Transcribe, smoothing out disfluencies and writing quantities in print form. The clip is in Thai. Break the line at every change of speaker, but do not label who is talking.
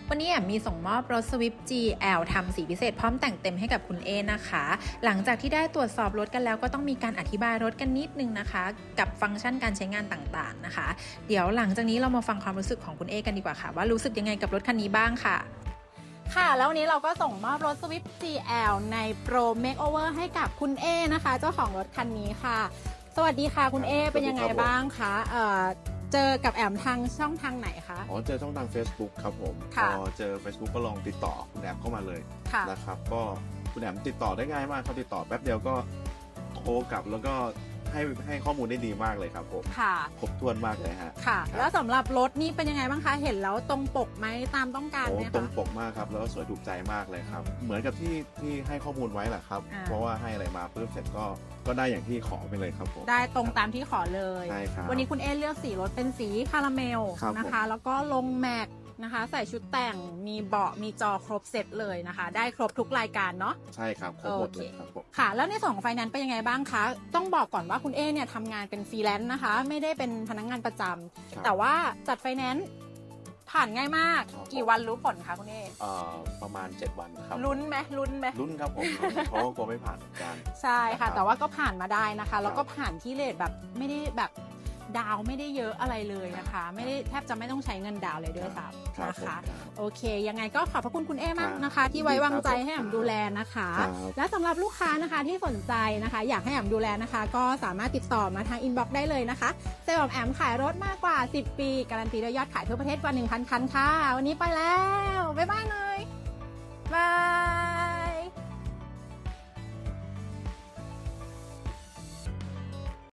วันนี้แอมมีส่งมอบรถ Swift GL ทำสีพิเศษพร้อมแต่งเต็มให้กับคุณเอนะคะ หลังจากที่ได้ตรวจสอบรถกันแล้วก็ต้องมีการอธิบายรถกันนิดนึงนะคะ กับฟังก์ชันการใช้งานต่างๆนะคะ เดี๋ยวหลังจากนี้เรามาฟังความรู้สึกของคุณเอกันดีกว่าค่ะว่ารู้สึกยังไงกับรถคันนี้บ้างค่ะ
ค่ะแล้ววันนี้เราก็ส่งมอบรถ Swift GL ใน Pro Makeover ให้กับคุณเอนะคะเจ้าของรถคันนี้ค่ะ สวัสดีค่ะคุณเอเป็นยังไงบ้างคะเจอกับแอมทางช่องทางไหนคะ
เจอช่องทาง Facebook ครับผมพอเจอ Facebook ก็ลองติดต่อคุณแอมเข้ามาเลยนะครับก็คุณแอมติดต่อได้ง่ายมากเขาติดต่อแป๊บเดียวก็โทรกลับแล้วก็ให้ข้อมูลได้ดีมากเลยครับผมครบถ้วนมากเลยฮะ
ค่ะแล้วสำหรับรถนี่เป็นยังไงบ้างคะเห็นแล้วตรงปกไหมตามต้องการไหมคะ
ตรงปกมากครับแล้วก็สวยถูกใจมากเลยครับเหมือนกับที่ให้ข้อมูลไว้แหละครับเพราะว่าให้อะไรมาปุ๊บเสร็จก็ได้อย่างที่ขอไปเลยครับผม
ได้ตรงตามที่ขอเลย
ใช่ครับ
วันนี้คุณเอเลือกสีรถเป็นสีคาราเมลนะคะแล้วก็ลงแม็กนะคะใส่ชุดแต่งมีเบาะมีจอครบเซตเลยนะคะได้ครบทุกรายการเนาะ
ใช่ครับครบหมดเลยครับผม
ค่ะแล้วในส่วนของไฟแนนซ์เป็นยังไงบ้างคะต้องบอกก่อนว่าคุณเอเนี่ยทำงานเป็นฟรีแลนซ์นะคะไม่ได้เป็นพนักงานประจำแต่ว่าจัดไฟแนนซ์ผ่านง่ายมากกี่วันรู้ผลคะคุณเอ
ประมาณ7 วันครับ
ลุ้นไหม
ลุ้นครับผมเพราะว่ากลัวไม่ผ่านกัน
ใช่ค่ะแต่ว่าก็ผ่านมาได้นะคะแล้วก็ผ่านที่เรทแบบไม่ได้แบบดาวไม่ได้เยอะอะไรเลยนะคะไม่ได้แทบจะไม่ต้องใช้เงินดาวเลยด้วยซ้ำนะคะโอเคยังไงก็ขอบพระคุณคุณเอมากนะคะที่ไว้วางใจให้แอมดูแลนะคะและสำหรับลูกค้านะคะที่สนใจนะคะอยากให้แอมดูแลนะคะก็สามารถติดต่อมาทางอินบ็อกซ์ได้เลยนะคะเซลล์แอมขายรถมากกว่า10 ปีการันตีด้วยยอดขายทั่วประเทศกว่า 1,000 คันค่ะวันนี้ไปแล้วบ๊ายบายเลยบาย